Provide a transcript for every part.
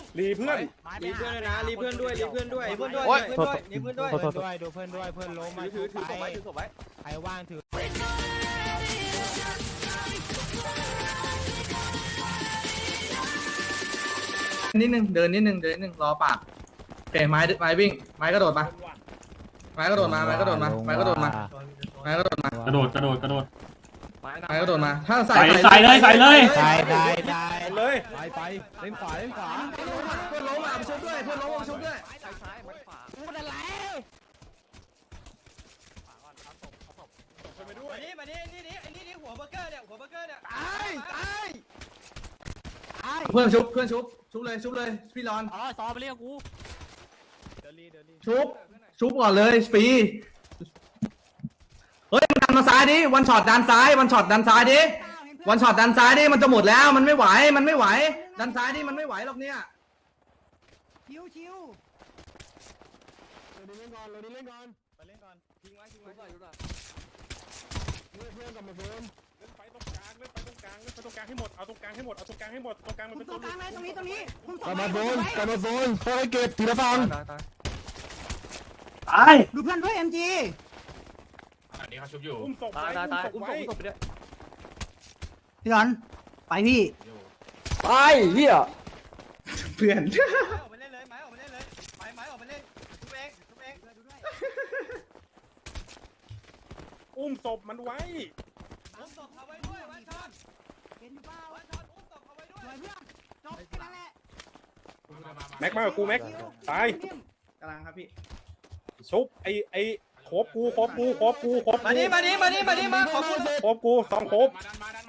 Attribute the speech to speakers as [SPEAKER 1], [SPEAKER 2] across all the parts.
[SPEAKER 1] รีเพื่อน
[SPEAKER 2] รีเพื่อนเลยนะรีเพื่อนด้วยรีเพื่อนด้วยรีเพื่อนด้วยรีเพื่อนด้วยรีเพื่อนด้วย
[SPEAKER 3] ดูเพื่อนด้วยเพื่อนล้มมาถือศพไว้ถือศพไว้ใครว่างถือ
[SPEAKER 4] นิดนึงเดินนิดนึงรอปากโอเคไม้วิ่งไม้กระโดดมาไม้กระโดดมาไม้กระโดดมาไม้กระโดดมาไม้กระโดดมากระโดดไม้กระโดดมาถ้าใส่
[SPEAKER 3] ได้
[SPEAKER 4] เลย
[SPEAKER 3] เลยไปเล่นขวา
[SPEAKER 4] เพื่อนล้มอ่ะมาชุบด้วยเพื่อนล้มมาชุบด้วย
[SPEAKER 3] พูดอะไร
[SPEAKER 2] มานี่หัวเบอร์เกอร์เนี่ยตาย
[SPEAKER 4] เพื่อนชุบเลยพี่รอน
[SPEAKER 3] อ๋อซอไปเรียกกู
[SPEAKER 4] ชุบก่อนเลยฟรีเฮ้ยมันดันมาซ้ายดิวันช็อตดันซ้ายดิวันช็อตดันซ้ายดิมันจะหมดแล้วมันไม่ไหวดันซ้ายดิมันไม่ไหวหรอกเนี่ย
[SPEAKER 3] ชิวเราเล่นก่อนไปเล่นก่อนทิ้งไว้เพื่อนกลับมาเพิ่ม
[SPEAKER 1] เล่นไปตรงกลางให้หมดเอาตรงกลางให้หมดตรงกลางมันเป็นตัวกลางเลยตรงนี้
[SPEAKER 3] กลับมาโซนค่อยเก็บทีละฝั่ง
[SPEAKER 4] ตาย
[SPEAKER 3] ดูเพื่อนด้วย MG
[SPEAKER 1] อันนี้เขาชุบอยู่อุ้มศพไปด้วย
[SPEAKER 3] พี่หลอนไปพี่
[SPEAKER 4] ไปเหี้ยเพื่อน
[SPEAKER 2] ออกมาเล่นเลยไม้ออกมาเล่นเลยไม้ออกมาเล่นทุบเองดูด้วย
[SPEAKER 1] อุ้มศพมันไว้
[SPEAKER 2] อุ้มศพเขาไว้ด้วยวันช็อต
[SPEAKER 3] เห็นอยู่เปล่า
[SPEAKER 2] วันช็อตอุ้มศพเขาไว้ด้วย
[SPEAKER 3] เพื่อนจบแค่นั้นแหละ
[SPEAKER 1] แม็กมากับกูแม็กตาย
[SPEAKER 4] กำลังครับพี่
[SPEAKER 1] ชุบไอ้โคบกู
[SPEAKER 2] มานี่มาขอกู
[SPEAKER 1] โคบกู2โคบ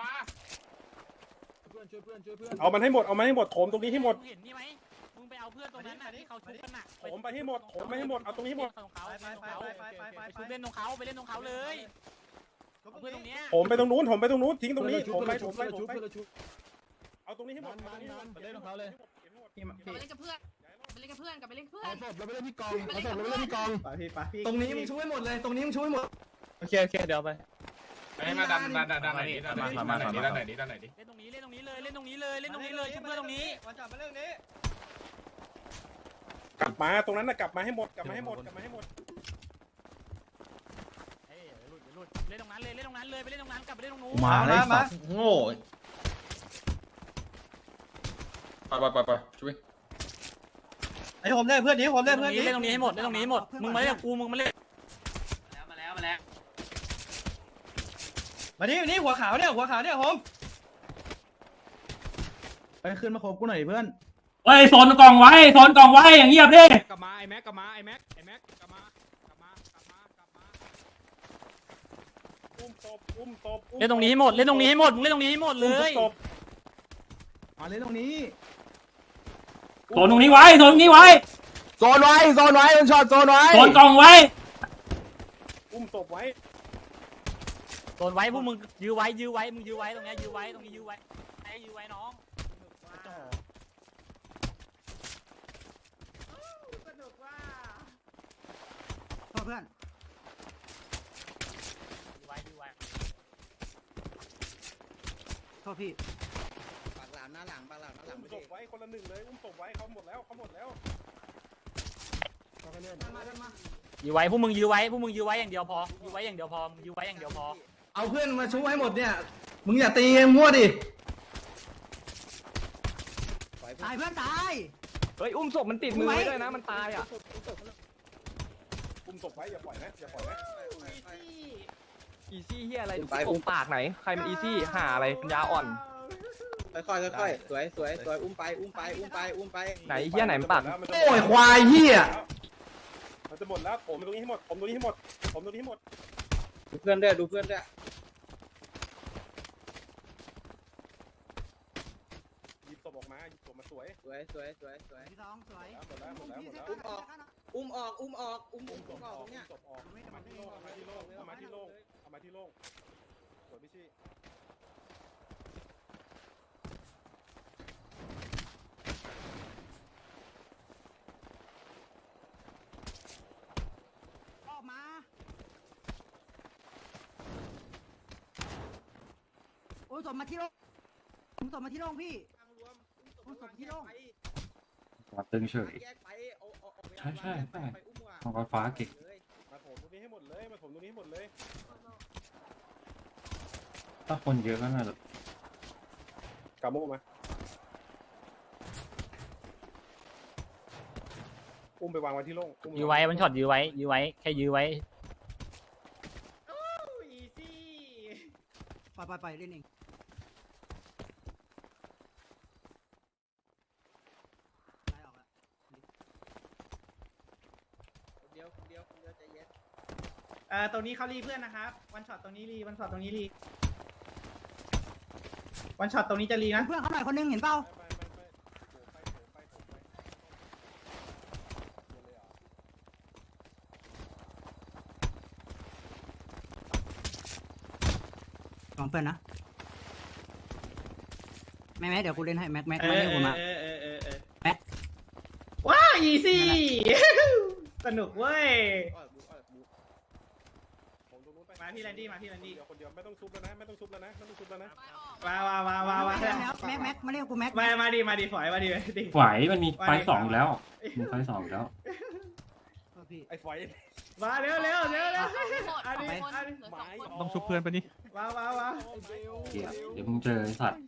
[SPEAKER 1] เอามันให้หมดโถมตรงนี้ให้หมด
[SPEAKER 3] เห็นนี่ไหมมึงไปเอาเพื่อนตรงนั้นน่ะที่เขาชุบกันน่ะ
[SPEAKER 1] โถมไปให้หมดเอาตรงนี้ให้หมด
[SPEAKER 3] ไปชุบเล่นตรงเขาเลยเพื่อนตรงนี้
[SPEAKER 1] โถมไปตรงนู้นทิ้งตรงนี้โถมไปเอาตรงนี้ให้หมด
[SPEAKER 3] เล่นตรงเขาเลย
[SPEAKER 5] ไปเล่นกับเพื่อนกลับไปเล่นกับเพื่อน
[SPEAKER 3] เอาศพเราไปเล่นที่กอง
[SPEAKER 4] ตรงนี้มึงช่วยหมดเลยโอเคเดี๋ยวไป
[SPEAKER 1] มาดันไหนนี้ด้านไหนนี้
[SPEAKER 3] เล่นตรงนี้เลยชุบเพื่อนตรงนี้
[SPEAKER 2] วันช็อตมาเรื่องนี้
[SPEAKER 1] กลับมาตรงนั้นน่ะกลับมาให้หมด
[SPEAKER 3] เล่นตรงนั้นเลยไปเล่นตรงนั้นกลับไปเล่นตรงนู้น
[SPEAKER 4] มาโง่ไปช่วย
[SPEAKER 2] ไอ้ผมเล่นเพื่อนนี้
[SPEAKER 3] เล่นตรงนี้ให้หมดมึงมาเล่นกูมึงมาเล่น
[SPEAKER 2] มาแล้วมานี่หัวขาวเนี่ยผม
[SPEAKER 4] ไปขึ้นมาคบกูหน่อยเพื่อน
[SPEAKER 6] เฮ้ยโซนกล่องไว้อย่างเงียบดิ
[SPEAKER 1] กลับมาไอ้แม็กกลับมาอุ้มศพ
[SPEAKER 3] เล่นตรงนี้ให้หมดมึงเล่นตรงนี้ให้หมดเลย
[SPEAKER 4] มาเล่นตรงนี้
[SPEAKER 6] โซนตรงนี้ไว้
[SPEAKER 4] โซนไว้มันช็อตโซนไว้
[SPEAKER 6] โซนกล่องไว้
[SPEAKER 1] อุ้มศพไว้
[SPEAKER 3] โซนไว้พวกมึงยื้อไว้มึงยื้อไว้ตรงนี้ยื้อไว้น้องเพื่อนยื้อไว้โทษพี่
[SPEAKER 2] ปากหลามหน้าหลัง
[SPEAKER 1] อุ้มศพไว้คนละหนึ่งเลยอุ้มศพไว้เขาหมดแล้ว
[SPEAKER 3] ยื้อไว้พวกมึงยื้อไว้อย่างเดียวพอยื้อไว้อย่างเดียวพอ
[SPEAKER 4] เอาเพื่อนมาช่วยให้หมดเนี่ยมึงอย่าตีมั่วดิ
[SPEAKER 3] ตายเพื่อนตาย
[SPEAKER 2] เฮ้ยอุ้มศพมันติดมือไว้ด้วยนะมันตายอ่ะ
[SPEAKER 1] อุ้มศพไว้อย่าปล่อยนะ
[SPEAKER 2] อีซี่เฮียอะไรอุ้มปากไหนใครมันอีซี่หาอะไรปัญญาอ่อนค่อยสวยอุ้มไปไหนเฮียไหนมันปาก
[SPEAKER 4] โอ้ยควายเฮีย
[SPEAKER 1] มันจะหมดแล้วผมตรงนี้ให้หมด
[SPEAKER 2] ดูเพื่อนด้วย
[SPEAKER 1] หยิบศพออกมาสวย
[SPEAKER 3] พี่สองสวย
[SPEAKER 2] อุ้มออกเนี่ย
[SPEAKER 1] เอามาที่โล่งสวยพี่ชี่
[SPEAKER 3] ออกมาโอ้ยส่งมาที่โล่งพี่ส่งที่โล่ง
[SPEAKER 6] มาตึงเฉยใช่ใช่ใช่มังกรฟ้าเก่ง
[SPEAKER 1] มาถมตรงนี้ให้หมดเลยมาถมตรงนี้ให้หมดเลย
[SPEAKER 6] ถ้าคนเยอะก็น่าจะ
[SPEAKER 1] กาโมมาอุ้มไปวางไว้ที่โล่ง
[SPEAKER 3] ยื้อไว้มันช็อตยื้อไว้แค่ยื้อไว้
[SPEAKER 7] ไปเล่นเองตรงนี้เขารีเพื่อนนะครับวันช็อตตรงนี้รีวันช็อตตรงนี้รีวันช็อตตรงนี้จะรีนะเพื่อนเขาหน่อยคนนึงเห็นเปล่าสองเพื่อนนะแม็กเดี๋ยวกูเล่นให้แม็กมาเล่นกูมาแม็กว้าอีซี่สนุกเว้ยมาพี่แลนดี้
[SPEAKER 1] เดี๋ยวคนเดียวไม่ต้องซุบแล้วนะไม่ต้องซุบแล้วนะไม่ต้องซุบแล้วนะ
[SPEAKER 7] มาแม็กมาเล่นกูแม็ก
[SPEAKER 3] ฝ
[SPEAKER 7] มา
[SPEAKER 3] ายมันมีไฟสองอยู่แล้วมีไฟสองอยู่แล้ว
[SPEAKER 1] ไอ้ฝอย
[SPEAKER 7] มาเร็ว
[SPEAKER 5] ต้อง
[SPEAKER 3] ชุบเพื่อนไปนี่
[SPEAKER 7] มา
[SPEAKER 6] เดี๋ยวมึงเจอไอ้สัตว์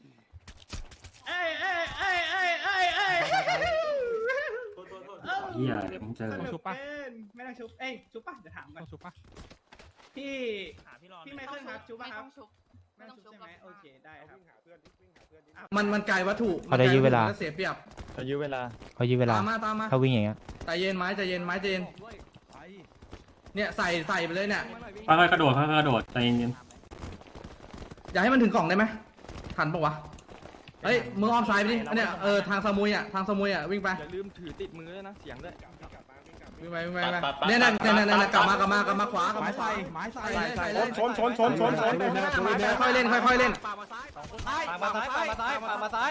[SPEAKER 6] เหี้ยเดี๋ยวมึงเจอ
[SPEAKER 7] ชุบปะไม่ต้องชุบชุบปะเดี๋ยวถามก่อนชุบปะพี่ไม่เคยครับชุบปะครับไม่ต้องชุบใช่ไหมโอเคได้ครับ
[SPEAKER 1] วิ่งหาเพื่อนวิ่งหาเพื่อน
[SPEAKER 4] มันไกลวัตถุ
[SPEAKER 2] เขาได้ยื้อเวลา
[SPEAKER 4] เสียเปรียบ
[SPEAKER 2] เขายื้อเวลาตามมา
[SPEAKER 4] ถ้าวิ่งอย่างเงี้ยใจเย็นไม้ใจเย็นเนี่ยใส่ไปเลยเนี่ย
[SPEAKER 6] ค่อยๆกระโดดใจเย็น
[SPEAKER 4] อย่าให้มันถึงกล่องได้ไหมทันปะวะเฮ้ยมืออ้อมซ้ายไปดิเนี่ยทางสมุยอ่ะวิ่งไป
[SPEAKER 2] อย่าลืมถือติดมือด้วยนะเสียงด้วย
[SPEAKER 4] วิ่งไปเนี่ยกลับมาขวาไม้ใส่ค่อยเล่น
[SPEAKER 2] ปามาซ้าย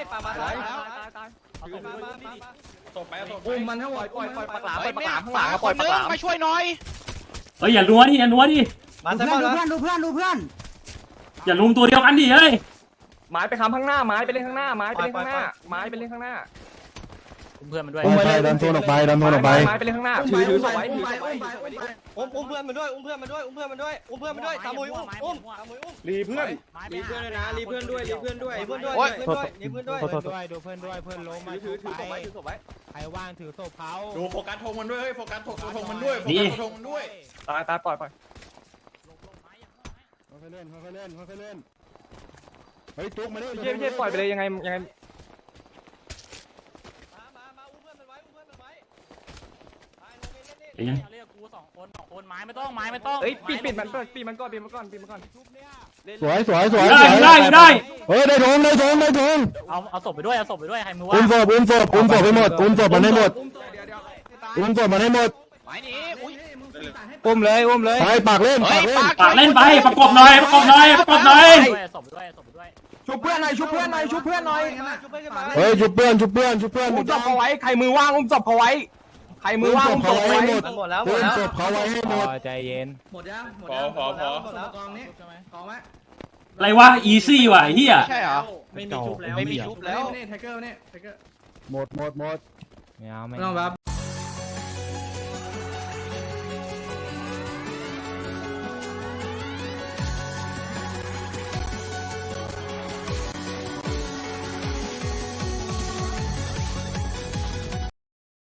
[SPEAKER 2] อุ้มมันให้หมดปล่อยปากหลามข้างหลังปล่อยปากหลาม
[SPEAKER 8] มาช่วยหน่อย
[SPEAKER 6] เฮ้ยอย่านัวดิ
[SPEAKER 7] ดูเพื่อน
[SPEAKER 6] อย่าลุมตัวเดียวกันดิเฮ้ย
[SPEAKER 2] ไม้ไปค้ำข้างหน้าไม้ไปเล่นข้างหน้าไม้ไปเล่นข้างหน้า
[SPEAKER 3] เพื่อนมันด้วย
[SPEAKER 2] ดันโทนออกไปไม้ไปเล่นข้างหน้าถือสวยอุ้มเพื่อนมันด้วยตามมวยอุ้ม
[SPEAKER 1] รีเพื่อน
[SPEAKER 2] ด้วยนะรีเพื่อนด้วยดูเพื่อนด้วยเพื่อนล้มมาถือศพไว้ใครว่างถือศพเขา
[SPEAKER 8] ดูโฟกัสธงมันด้วยเฮ้ยโฟกัสธงมันด้วยโฟกัสธงมันด้วย
[SPEAKER 2] ตายปล่อย
[SPEAKER 4] ค่อยเล่นเฮ้ยจุกมาดิ
[SPEAKER 2] เย่ปล่อยไปเลยยังไงมาอุ้มเพื่อนมันไว้
[SPEAKER 3] เรียกกูสองคนไม้ไม่ต้อง
[SPEAKER 2] เฮ้ยปิดมันก่อน
[SPEAKER 4] สวย
[SPEAKER 6] ได้
[SPEAKER 4] เฮ้ยได้ทง
[SPEAKER 3] เอาศพไปด้วยใครมือว่า
[SPEAKER 4] อุ้มศพให้หมดอุ้มศพมันให้หมด
[SPEAKER 8] หมายนี้อุ้ย
[SPEAKER 2] อุ้มเลย
[SPEAKER 4] ไปปากเล่น
[SPEAKER 6] ไปประกบหน่อย
[SPEAKER 3] ศพด้วย
[SPEAKER 2] ชุบเพื่อนหน่อย
[SPEAKER 4] เฮ้ยชุบเพื่อน
[SPEAKER 2] อุ้มศพเขาไว้ใครมือว่างอุ้มศพเขาไว้อุ้มศพเขาไว้หมดแล้ว
[SPEAKER 4] ศพเขาไว้ให้หมด
[SPEAKER 2] ใจเย็น
[SPEAKER 4] หมดยัง
[SPEAKER 8] พอก
[SPEAKER 4] องนี้กองไหม
[SPEAKER 6] อะไรวะอีซี่ว่ะเฮีย
[SPEAKER 8] ใช่เหรอ
[SPEAKER 3] ไม่มีชุบแล้ว
[SPEAKER 4] นี่ไทเกอร์หมดไม่ต้องแบบ